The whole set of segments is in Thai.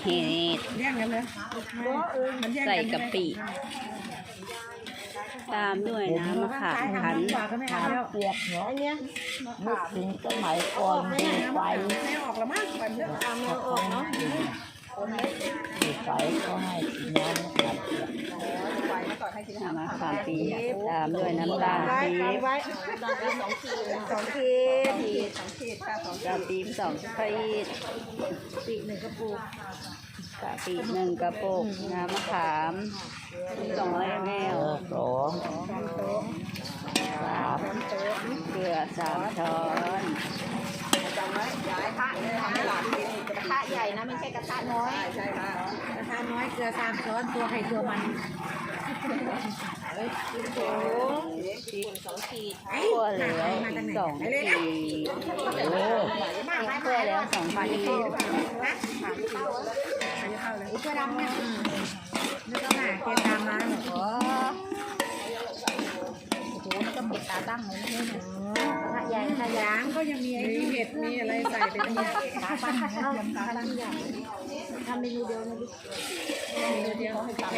เห็ดเรียกกันเลยใส่กะปิตามด้วยน้ำมะขามคั้นเปียกเนาะนึกถึงสมัยก่อนมีไฟไม่ออกแล้วมั้งแบบนี้ไม่ออกเนาะมีไฟก็ให้กินน้ำมะขามเปียกน้ำมะขามเปียกตามด้วยน้ำตาลปี๊บกะปิ2 ขีด1 กระปุกน้ำมะขาม200 ml เกลือ3 ช้อนจำไว้ย้ายพระเลยทำให้หลานกินกระทะใหญ่นะไม่ใช่กระทะน้อยใช่ค่ะกระทะน้อยเกลือ3 ช้อนตัวไข่ตัวมัน2 ขีดคั่วแล้ว2 ขีดคั่วแล้ว2 ขีดเพื่อดำเนี่ยนึกว่าหนาเกตามมาโอ้โหนี่ก็ปิดตาตั้งเลยนี่ถ้ายางก็ยังมีไอ้เห็ดมีอะไรใส่ไปทั้งนี้ทำเมนูเดียวนะลูกเมนูเดียวให้ตำ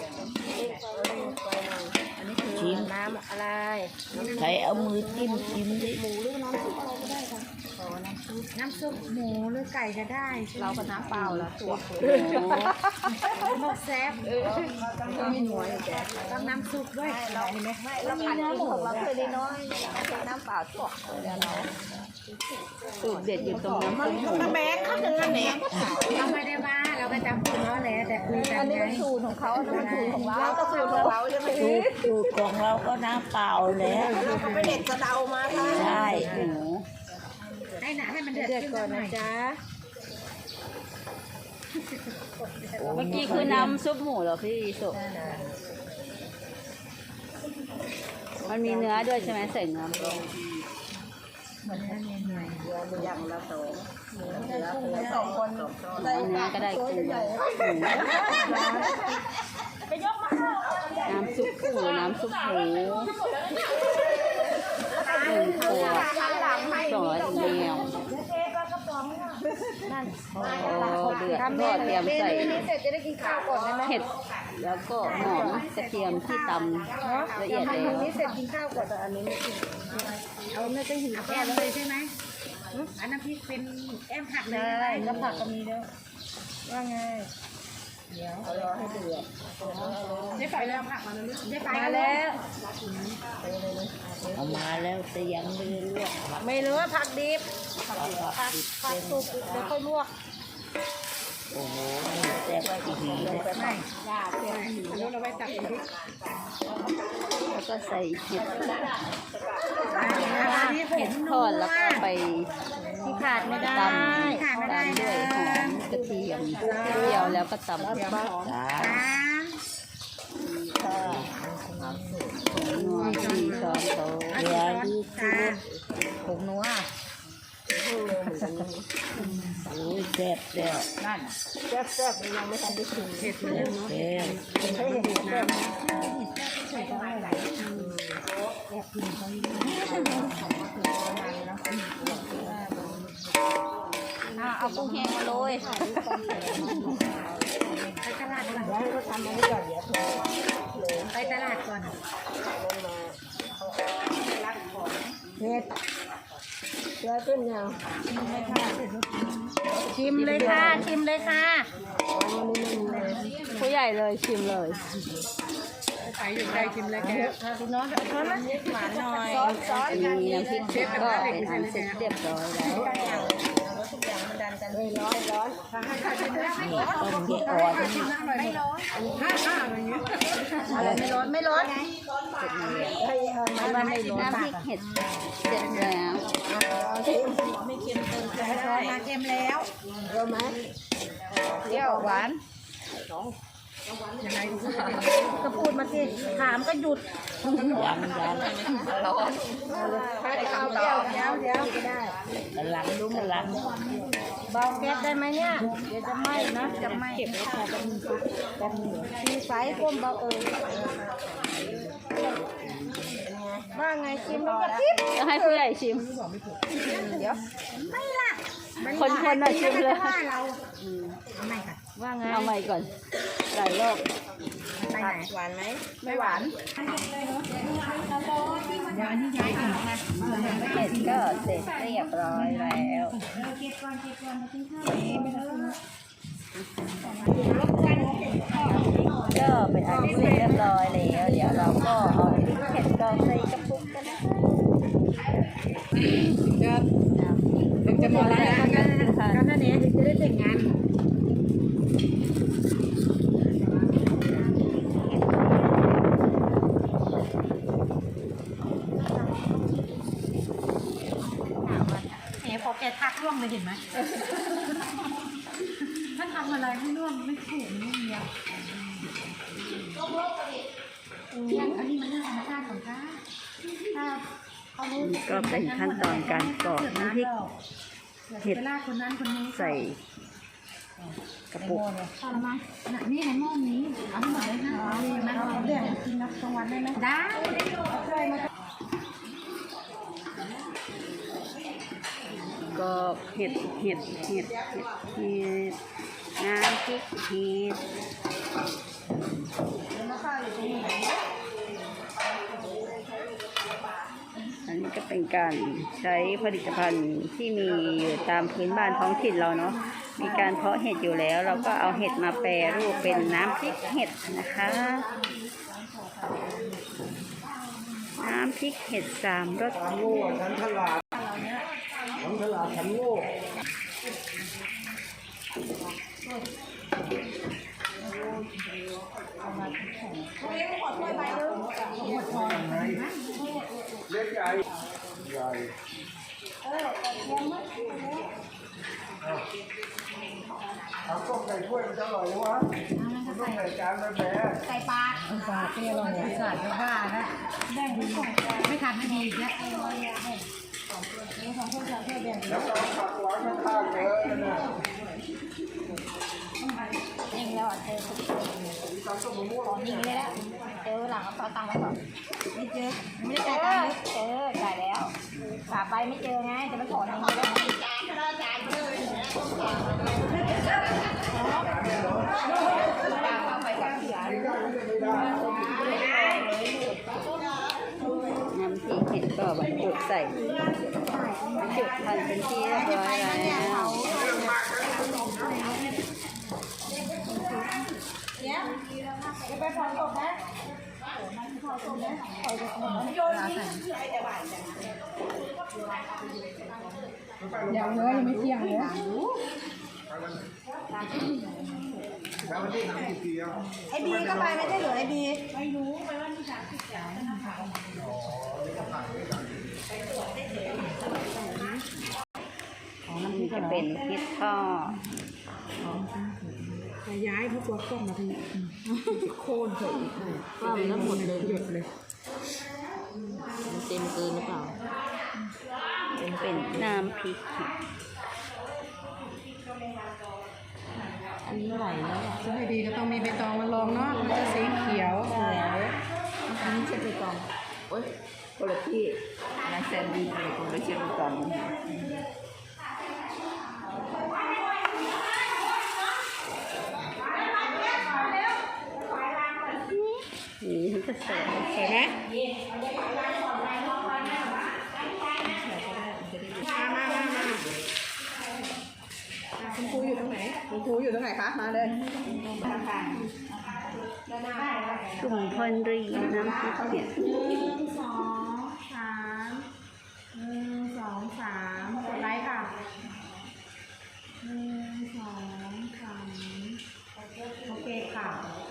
อันนี้คือน้ำอะไรใครเอามือจิ้มดิหมูหรือน้ำซุปอะไรก็ได้ค่ะน้ำซุปหมูหรือไก่ก็ได้เราก็น้ำเปล่าละตัวหมกแซ่บไม่หน่วยต้องน้ำซุปด้วยเราเห็นไหมเราผัดเองของเราเคยได้น้อยน้ำเปล่าตัวเราสูตรเด็ดอยู่ตรงน้ำซุปหมูแม่เขาถึงอันไหนเราไม่ได้ว่าเราไปจำสูตรเขาแหละแต่คุยกันไงสูตรของเขาเป็นสูตรของเราก็สูตรของเราใช่ไหมสูตรของเราก็น้ำเปล่าแล้วเขาไปเด็ดกระเดามาค่ะใช่หมูให้มันเดือดก่อนนะจ๊ะเมื่อกี้คือน้ำซุปหมูเหรอพี่สุมันมีเนื้อด้วยใช่ไหมใส่เนื้อลงอย่างละ2คนเนื้อก็ได้กุ้งน้ำซุปหมู1 ขวด200 ml เดือดก็เตรียมใส่เห็ดแล้วก็หอมกระเทียมที่ตำละเอียดแล้วนี่เสร็จกินข้าวก่อนแต่อันนี้ไม่กินเอาไม่ต้องหิวแก้มเลยใช่ไหมอันน้ำพริกเป็นแอมผักเลยก็ผักก็มีแล้วว่าไงเดี๋ยวรอให้เดือดได้ไปแล้วผักมาแล้วได้ไปแล้วเอามาแล้วแต่ยังไม่ได้ลวกไม่รู้ว่าผักดิบผักสุกเดี๋ยวค่อยลวกโอ้โหแซ่บอีกทีเลยไม่ยากเลยแล้วเราไปตักอีกทีแล้วก็ใส่เห็ดเห็ดทอดแล้วก็ไปที่ขาดไม่ได้ตำด้วยหอมกระเทียมเจียวแล้วก็ตำนัว4 ช้อนโต๊ะเดี๋ยวดูสิผงนัวโอ้ยแซ่บแล้วนั่นแซ่บยังไม่ทันได้ชิมเห็ดเลยเนาะแซ่บให้เห็ดน้ำใส่ก็ไม่ไหลแอบกินเขาอยู่เอากุ้งแห้งมาโรยไปตลาดก่อนเดี๋ยวเขาทำอันนี้ก่อนเดี๋ยวไปตลาดก่อนเห็ดเดี๋ยวขึ้นยังชิมเลยค่ะชิมเลยค่ะผู้ใหญ่เลยชิมเลยใส่อยู่ใจชิมเลยแกพี่น้องช้อนละหวานหน่อยมีน้ำพริกเผ็ดก็เป็นอันเสร็จเรียบร้อยแล้วทุกอย่างมันดันกันเลยร้อนนี่ต้มเยอะอ่อนไม่ร้อนอะไรเงี้ยอะไรไม่ร้อนน้ำพริกเห็ดเสร็จแล้วไม่เค็มเติมช้อนมาเค็มแล้วรู้ไหมเปรี้ยวหวานยังไงก็พูดมาสิถามก็หยุดยังร้อนถ้าจะเอาเปรี้ยวเดี๋ยวก็ได้กำลังเบาแก๊สได้ไหมเนี่ยเดี๋ยวจะไหม้นะจะไหม้เก็บไว้ค่ะแบบนี้มีไฟก้มเบาว่าไงชิมแล้วก็จะให้ผู้ใหญ่ชิมเดี๋ยวไม่ล่ะคนน่ะชิมเลยเราไม่ค่ะว่าไงเอาใหม่ก่อนหลายรอบไปไหนหวานไหมไม่หวานเดี๋ยวอันนี้ย้ายก่อนนะคะเห็ดก็เสร็จเรียบร้อยแล้วเก็บก่อนมากินข้าวไม่ต้องก็เป็นอันเสร็จเรียบร้อยแล้วเดี๋ยวเราก็เอาเห็ดดองใส่กระปุกกันนะคะจะมาแล้วก็นั่นเองจะได้แต่งงานพอแกทักร่วงเลยเห็นไหมถ้าทำอะไรไม่ร่วงไม่ถูกไม่เมียอันนี้มันเรื่องธรรมชาติของข้าถ้าเขารู้ก็เป็นขั้นตอนการกรอกน้ำพริกเห็ดเวลาคนนั้นคนนี้ใส่กระปุกทำมานี่ในหม้อนี้เอาหมดเลยนะมันเรื่องกินนับกลางวันได้ไหมได้ก็เห็ดน้ำพริกเห็ดอันนี้ก็เป็นการใช้ผลิตภัณฑ์ที่มีอยู่ตามพื้นบ้านท้องถิ่นเราเนาะมีการเพาะเห็ดอยู่แล้ว เราก็เอาเห็ดมาแปรรูปเป็นน้ำพริกเห็ดนะคะน้ำพริกเห็ด3 รสโง่ฉันฉลาดฉันฉลาดฉันโง่ เล็กใหญ่ใหญ่เอาต้มใส่ถ้วยมันจะอร่อยนะวะมันต้องใส่จานแบบแหนใส่ปลาเปรี้ยวเลยสาดไม่ว่านะแบ่งไม่ทันไม่ดีเนี่ยแล้วก็ผักหวานข้างๆเยอะนะยิงแล้วเจอยิงเลยแล้วเจอหลังเอาตังค์มาก่อนไม่เจอไม่ได้จ่ายตังค์เจอจ่ายแล้วฝากไปไม่เจอไงจะไปขอเงินแล้วน้ำพริกเห็ดก็บรรจุใส่บรรจุพันเป็นที่เรียบร้อยแล้วยังเลยยังไม่เที่ยงเลยแล้ววันที่น้ำกี่ปีอ่ะไอบีก็ไปไม่ได้เหรอไอบีนี่จะเป็นพริกทอดย้ายเขาตัวกล้องมาทีโค่นเถอะก็แล้วหมดเลยหยดเลยเต็มเกินหรือเปล่าเป็นน้ำพริกเห็ดอันนี้ไหลแล้วจะให้ดีก็ต้องมีใบตองมาลองเนาะมันจะสีเขียวสวยอันนี้จะใบตองโอ๊ยคนละที่นายแซนดี้เลยคนละเชียงกันนี่มันจะใส่ใส่ไหมคุณครูอยู่ตรงไหนคุณครูอยู่ตรงไหนคะมาเลยกลุ่มพลรีน้ำพริกเห็ด 1 2